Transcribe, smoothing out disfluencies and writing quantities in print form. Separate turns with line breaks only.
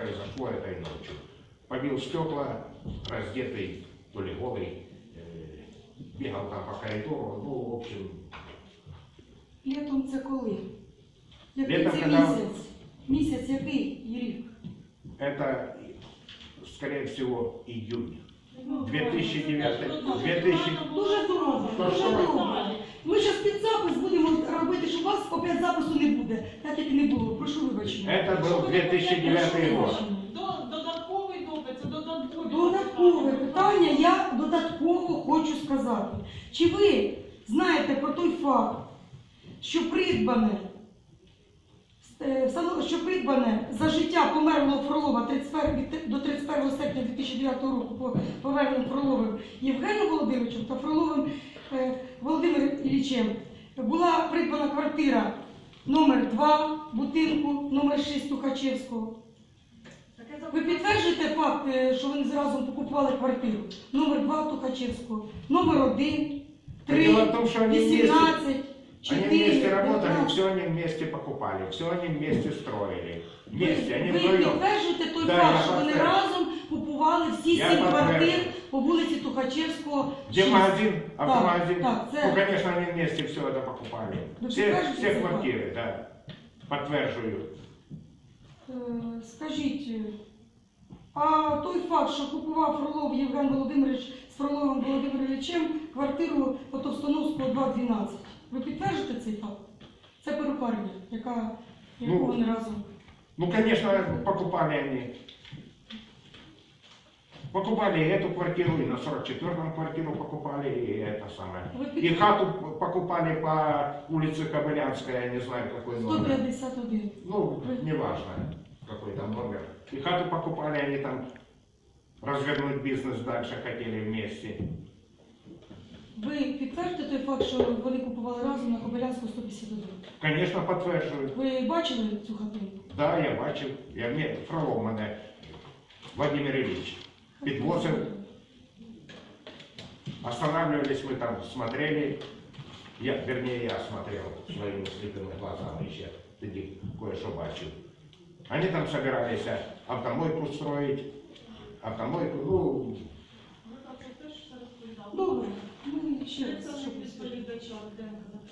произошло этой ночью. Побил стекла, раздетый, то ли голый, бегал там по коридору, ну, в общем...
Літом це коли? Який
Летом,
це
когда...
місяць? Місяць який і рік?
Это, скорее всего, июнь.
Ну,
2009.
Дуже добре, дуже добре. Ми зараз під запис будемо робити, щоб у вас опять запису не буде, так як і не було. Прошу вибачення.
Это был 2009 год.
Додатковий допит, це додаткові.
Додаткове питання я додатково хочу сказати. Чи ви знаєте про той факт, що придбане за життя померлого Фролова до 31 серпня 2009 року по поверненню Фроловим Євгеном Володимировичем та Фроловим Володимиром Іллічем була придбана квартира номер 2 будинку номер 6 Тухачевського? Ви підтверджуєте факт, що вони разом покупували квартиру? Номер 2 Тухачевського, номер 1, 3, 18, 4,
Они вместе работали,
15.
все они вместе покупали, все они вместе строили. Вместе, они
Ви
вдвоем.
підтверджуєте той
Да,
факт,
я
що вони
підтверджую.
разом купували всі
Я
7
підтверджую.
квартир по вулиці Тухачевського,
Где
6.
магазин, автомагазин.
Так, це...
Ну, конечно, они вместе все это покупали.
Вы
Все
подтверждаете это?
квартиры, да. Подтверждаю.
Скажіть, а той факт, що купував Фролов Євген Володимирович з Фроловим Володимиром Іллічем квартиру по Товстоновського 2/12, ви підтверджуєте цей факт? Це перукарня, яку вони разом...
Ну, конечно, покупали они. Покупали эту квартиру, и на 44-м квартиру покупали, и это самое. И хату покупали по улице Кобылянская, я не знаю какой номер.
151.
Ну, неважно, какой там номер. И хату покупали, они там развернуть бизнес дальше хотели вместе.
Ви підтвердите той факт, що вони купували разом на Кобилянську 151?
Конечно, подтверждаю.
Ви бачили цю хатину?
Да, я бачив. Фролов мене Владимир Ильич підвозив. Останавливались мы там, смотрели. Вернее, я смотрел своими слепыми глазами еще. Тоді кое-що бачив. Они там собирались автомойку строить. Автомойку, ну...
Добре. Ми ще раз,
Це
що
відповідача Руденка